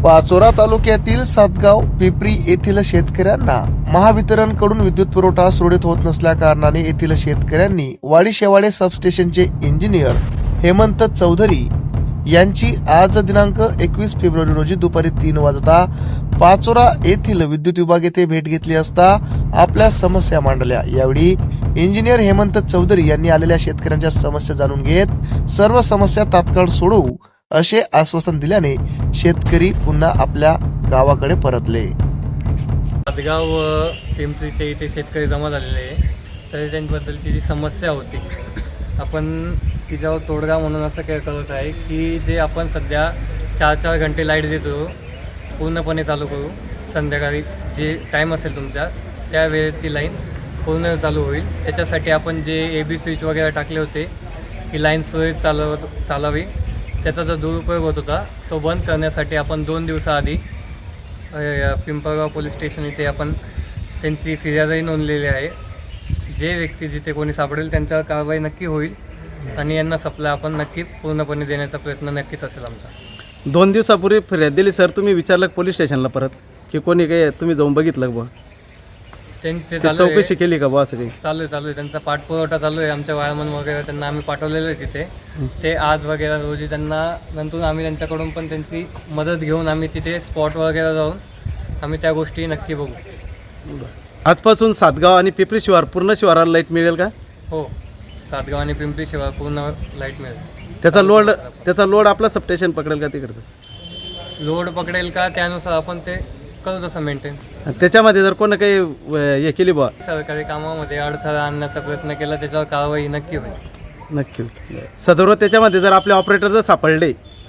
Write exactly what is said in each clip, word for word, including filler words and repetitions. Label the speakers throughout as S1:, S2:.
S1: पाचोरा तालुक्यातील सातगाव पिपरी येथील शेतकऱ्यांना महावितरणकडून विद्युत पुरवठा सुरळीत होत नसल्या कारणाने येथील शेतकऱ्यांनी वाडी शेवाडे सबस्टेशनचे इंजिनियर हेमंत चौधरी यांची आज दिनांक एकवीस फेब्रुवारी रोजी दुपारी तीन वाजता पाचोरा येथील विद्युत विभाग येथे भेट घेतली असता आपल्या समस्या मांडल्या। यावेळी इंजिनियर हेमंत चौधरी यांनी आलेल्या शेतकऱ्यांच्या समस्या जाणून घेत सर्व समस्या तात्काळ सोडवू असे आश्वासन दिल्याने शेतकरी पुन्हा आपल्या गावाकडे परतले।
S2: सातगाव पिंपरीचे इथे शेतकरी जमा झालेले आहे, तर त्यांच्याबद्दलची जी समस्या होती आपण तिच्यावर तोडगा म्हणून असं काय करत आहे की जे आपण सध्या चार चार घंटे लाईट देतो पूर्णपणे चालू करू, संध्याकाळी जे टाईम असेल तुमचा त्या वेळेत ती लाईन पूर्ण चालू होईल। त्याच्यासाठी आपण जे ए बी स्विच वगैरे टाकले होते की लाईन सुरळीत चालव चालावी त्याचा जो दुरुपयोग होत होता तो बंद करण्यासाठी आपण दोन दिवसाआधी पिंपळगाव पोलीस स्टेशन इथे आपण त्यांची फिर्यादही नोंदलेली आहे। जे व्यक्ती जिथे कोणी सापडेल त्यांच्यावर कारवाई नक्की होईल आणि यांना सप्लाय आपण नक्की पूर्णपणे देण्याचा प्रयत्न नक्कीच असेल आमचा।
S3: दोन दिवसापूर्वी फिर्याद दिली सर, तुम्ही विचारलं पोलीस स्टेशनला परत की कोणी काही तुम्ही जाऊन बघितलं बुवा,
S2: त्यांचे
S3: चौकशी केली का बुवा? असं काही
S2: चालू आहे चालू आहे त्यांचा पाठपुरवठा चालू आहे। आमच्या वायरमन वगैरे त्यांना आम्ही पाठवलेलं आहे तिथे, ते आज वगैरे रोजी त्यांना नंतर आम्ही त्यांच्याकडून पण त्यांची मदत घेऊन आम्ही तिथे स्पॉट वगैरे जाऊन आम्ही त्या गोष्टी नक्की बघू।
S3: आजपासून सातगाव आणि पिपरी शिवार पूर्ण शिवाराला लाईट मिळेल का?
S2: हो, सातगाव आणि पिंपरी शिवार पूर्ण लाईट मिळेल।
S3: त्याचा लोड त्याचा लोड आपला सबस्टेशन पकडेल का? तिकडचं
S2: लोड पकडेल का त्यानुसार आपण ते करू तसं मेंटेन।
S3: त्याच्यामध्ये जर कोणी काही हे केली बुवा
S2: सरकारी कामामध्ये अडथळा आणण्याचा प्रयत्न केला त्याच्यावर कारवाई नक्की होईल।
S3: नक्की सदर त्याच्यामध्ये जर आपले ऑपरेटर जर सापडले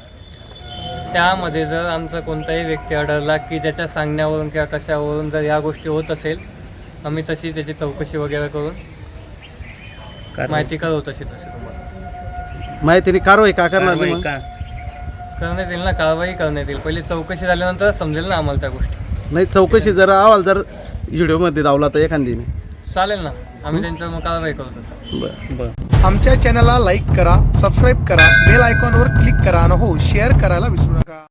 S2: त्यामध्ये जर आमचा कोणताही व्यक्ती आढळला की त्याच्या सांगण्यावरून किंवा कशावरून जर या गोष्टी होत असेल आम्ही तशी त्याची चौकशी वगैरे करून माहिती करू तशी तशी तुम्हाला
S3: माहितीने कारवाई का करणार नाही?
S2: करण्यात येईल ना, कारवाई करण्यात येईल। पहिली चौकशी झाल्यानंतर समजेल ना आम्हाला त्या गोष्टी।
S3: नाही, चौकशी जर अहवाल जर व्हिडिओमध्ये दावला तर एखादीने
S2: चालेल ना, आम्ही त्यांच्यावर मग कारवाई करू तसं।
S3: बरं बरं
S1: आमच्या चॅनलला लाईक करा, सबस्क्राईब करा, बेल आयकॉनवर क्लिक करा आणि हो शेअर करायला विसरू नका।